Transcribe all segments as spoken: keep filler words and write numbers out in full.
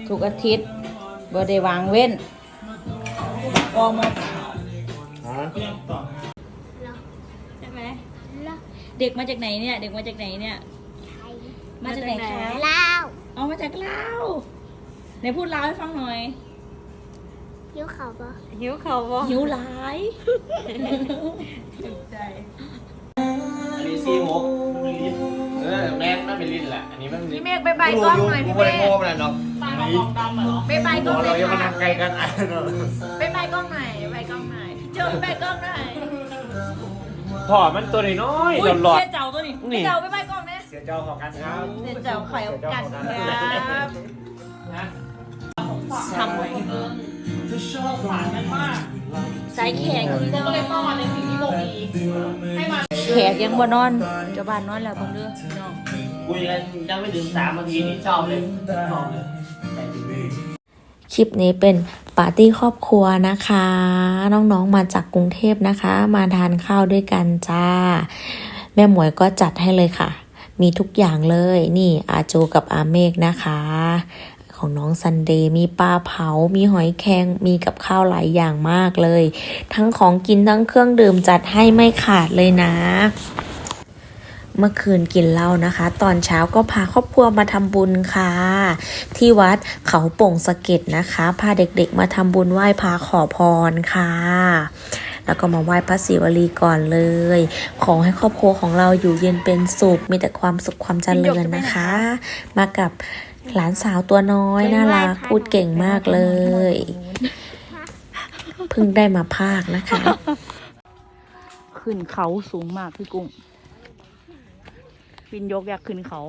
ทุกอาทิตย์บ่ได้วางเว้นกองมาใช่ไหมเด็กมาจากไหนเนี่ยเด็กมาจากไหนเนี่ยมาจากไหนคะลาวเอามาจากลาวไหนพูดลาวให้ฟังหน่อยหิวเขาปะหิวเขาปะหิวหลายใจอันนี้ซีหกเออแม่ไม่เป็นลิ้นแหละอันนี้ไม่เป็นลิ้นพี่เมฆไปใบกล้องหน่อยพี่เมฆโม่มันเนาะไปใบกล้องหน่อยเรายังมานั่งไกลกันอ่ะไปใบกล้องหน่อยใบกล้องหน่อยเจอใบกล้องหน่อยพ่อมันตัวน้อยหลอดหลอดเสียเจ้าตัวนี้เสียเจ้าไปใบกล้องนะเสียเจ้าของกันครับเสียเจ้าไข่ออกกันครับทำไว้ฝานกันมากสายแขกก็เลยป้อนในสิ่งที่บอกดีให้มาแขกยังบ่นอนเจ้าบ้านนอนแล้วเพิ่งเด้อพี่น้องคุยกันยังไม่ถึงสามนาทีนี่ชอบเลยชอบเลยคลิปนี้เป็นปาร์ตี้ครอบครัวนะคะน้องๆมาจากกรุงเทพนะคะมาทานข้าวด้วยกันจ้าแม่หมวยก็จัดให้เลยค่ะมีทุกอย่างเลยนี่อาโจกับอาเมกนะคะของน้องซันเดย์มีปลาเผามีหอยแครงมีกับข้าวหลายอย่างมากเลยทั้งของกินทั้งเครื่องดื่มจัดให้ไม่ขาดเลยนะเมื่อคืนกินเหล้านะคะตอนเช้าก็พาครอบครัวมาทำบุญค่ะที่วัดเขาโป่งสะเก็ดนะคะพาเด็กๆมาทำบุญไหว้พระขอพรค่ะแล้วก็มาไหว้พระศิวลีก่อนเลยขอให้ครอบครัวของเราอยู่เย็นเป็นสุขมีแต่ความสุขความเจริญนะคะมากับหลานสาวตัวน้อยน่ารักพูดเก่งมากเลยเพิ่งได้มาภาคนะคะขึ้นเขาสูงมากพี่กุ้งวินยกอยากขึ้นเขา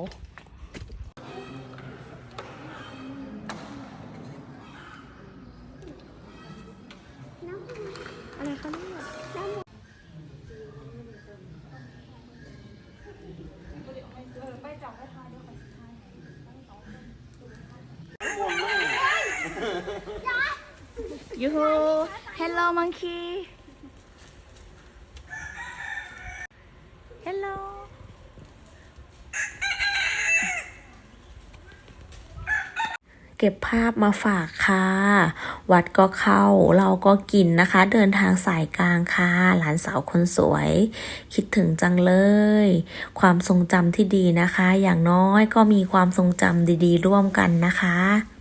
อะไรคะเนี่ยยูฮู hello monkey hello เก็บภาพมาฝากค่ะวัดก็เข้าเราก็กินนะคะเดินทางสายกลางค่ะหลานสาวคนสวยคิดถึงจังเลยความทรงจำที่ดีนะคะอย่างน้อยก็มีความทรงจำดีๆร่วมกันนะคะ